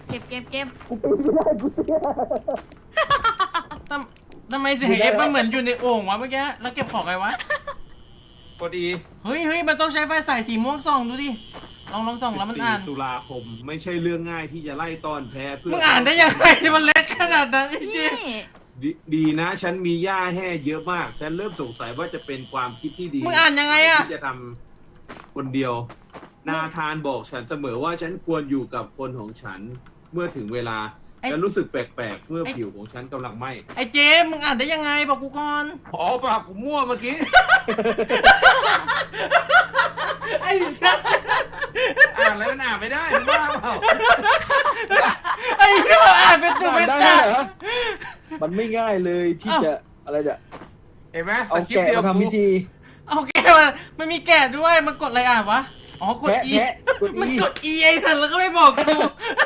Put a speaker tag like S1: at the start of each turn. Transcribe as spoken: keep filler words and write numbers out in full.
S1: เก็บเก็บเก็บ
S2: กูปีนไม่ได้กูเตี้ย
S3: ทำทำไมเสียงเอฟมันเหมือนอยู่ในโอ่งวะเมื่อกี้แล้วเก็บของไงวะ
S4: กดอี
S3: เฮ้ยเฮ้ยมันต้องใช้ไฟสายสีม่วงส่องดูดิลองลองส่องแล้วมันอ่าน
S4: ตุลาคมไม่ใช่เรื่องง่ายที่จะไล่ต้อนแพ้เพื่อ
S3: มึงอ่านได้ยังไงมันเล็กขนาดนั้นจริ
S1: นี่
S3: ง
S4: ดดีนะฉันมีหญ้าแห้เยอะมาก ฉันเริ่มสงสัยว่าจะเป็นความคิดที่ดี
S3: มึงอ่านยังไงอะ
S4: ที่จะทำคนเดียว นาธานบอกฉันเสมอว่าฉันควรอยู่กับคนของฉันเมื่อถึงเวลาฉันรู้สึกแปลกๆเมื่อผิวของฉันกำลังไหม้
S3: ไอ้เจมมึงอ่านได้ยังไงบอกกูก่อน
S4: อ๋อปากผมมั่วเมื่อกี้
S3: ไอ้สัส
S4: อ่านแล้วมันอ่านไม่ได้มึงบ้าเปล่า
S3: ไอ้เหี้ยอ่านเป็นตัวเป็น
S2: ได้
S3: ตา
S2: เหรอมันไม่ง่ายเลยที่จะอะไรจะ
S4: เห็นไหม
S2: เอา
S4: สคริป
S2: แกะ
S4: ต์เดียว
S2: มาทำพิธี
S3: โอเคมันมันมีแกะด้วยมันกดอะไรอ่านวะอ๋อกด
S2: แพะ
S3: E
S2: แพะกด E
S3: มันกด E ไอ้สัสแล้วก็ไม่บอกกู